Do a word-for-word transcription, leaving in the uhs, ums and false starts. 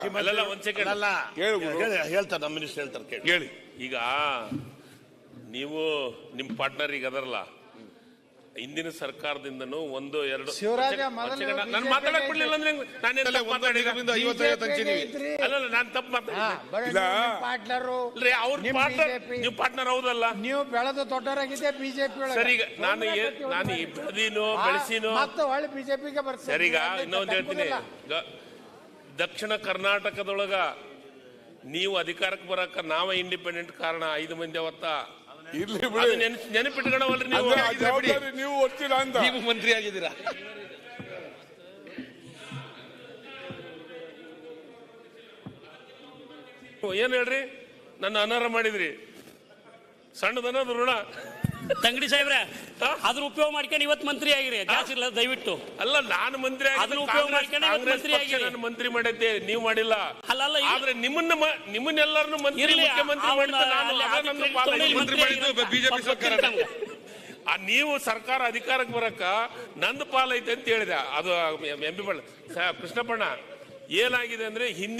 ಅಲ್ಲಲ್ಲ ಒಂದ್ ಸೆಕೆಂಡ್ ಅಲ್ಲ ಹೇಳ್ತಾರೆ ನಮ್ಮ ಮಿನಿಸ್ಟರ್ ಹೇಳ್ತಾರೆ ಕೇಳಿ. ಹೇಳಿ. ಈಗ ನೀವು ನಿಮ್ ಪಾರ್ಟ್ನರ್ ಈಗ ಅದರಲ್ಲ, ಹಿಂದಿನ ಸರ್ಕಾರದಿಂದನೂ ಒಂದು ಎರಡು ನಾನು ಮಾತಾಡಕ್ ಬಿಡ್ಲಿಲ್ಲ ಅಂದ್ರೆ ನಾನೇನ್ ತಪ್ಪು ಮಾತಾಡಿದ? ಅಲ್ಲಲ್ಲ ನಾನು ತಪ್ಪು ಮಾತಾಡಿಲ್ಲ. ಅವ್ರ ಪಾರ್ಟ್ನರ್, ನೀವು ಪಾರ್ಟ್ನರ್ ಹೌದಲ್ಲ? ನೀವು ಬೆಳೆದು ದೊಡ್ಡವರಾಗಿದೆ ಬಿಜೆಪಿ. ಸರಿ, ಈಗ ನಾನು ನಾನು ಬೆಳೆದಿನೋ ಬೆಳೆಸಿನೋ ಮತ್ತೆ ಒಳ್ಳೆ ಬಿಜೆಪಿಗೆ ಬರ್ತೀನಿ. ಸರಿಗ ಇನ್ನೊಂದು ಹೇಳ್ತೀನಿ. ದಕ್ಷಿಣ ಕರ್ನಾಟಕದೊಳಗ ನೀವು ಅಧಿಕಾರಕ್ಕೆ ಬರಕ ನಾವ ಇಂಡಿಪೆಂಡೆಂಟ್ ಕಾರಣ. ಐದು ಮಂದಿ ಅವತ್ತ ನೆನಪಿಟ್ಕೊಳವಲ್ರಿ ನೀವು. ನೀವು ಒತ್ತಿಲ್ಲ ಅಂತ ನೀವು ಮಂತ್ರಿ ಆಗಿದ್ದೀರಾ. ಏನ್ ಹೇಳ್ರಿ, ನನ್ನ ಅನರ್ಹ ಮಾಡಿದ್ರಿ. ಸಣ್ಣದನ್ನೋದು ಋಣ. ತಂಗಡಿ ಸಾಹೇಬ್ರೆ, ಅದ್ರ ಉಪಯೋಗ ಮಾಡ್ಕೊಂಡು ಇವತ್ತು ಮಂತ್ರಿ ಆಗಿರಿ. ಜಾಸ್ತಿ ಇಲ್ಲ ದಯವಿಟ್ಟು. ಅಲ್ಲ, ನಾನು ಮಂತ್ರಿ ನಾನು ಮಂತ್ರಿ ಮಾಡಿದ್ದೆ, ನೀವು ಮಾಡಿಲ್ಲ. ಅಲ್ಲ, ಆದ್ರೆ ನಿಮ್ಮನ್ನ ನಿಮ್ಮನ್ನೆಲ್ಲರನ್ನು ಮಂತ್ರಿ ಮುಖ್ಯಮಂತ್ರಿ ಮಾಡಿದ್ದೆ ಬಿಜೆಪಿ ಸರ್ಕಾರ. ನೀವು ಸರ್ಕಾರ ಅಧಿಕಾರಕ್ಕೆ ಬರಕ ನಂದು ಪಾಲೈತೆ ಅಂತ ಹೇಳಿದೆ. ಅದು ಎಂ ಪಿ ಕೃಷ್ಣಪ್ಪಣ್ಣ ಏನಾಗಿದೆ ಅಂದ್ರೆ ಹಿಂದೆ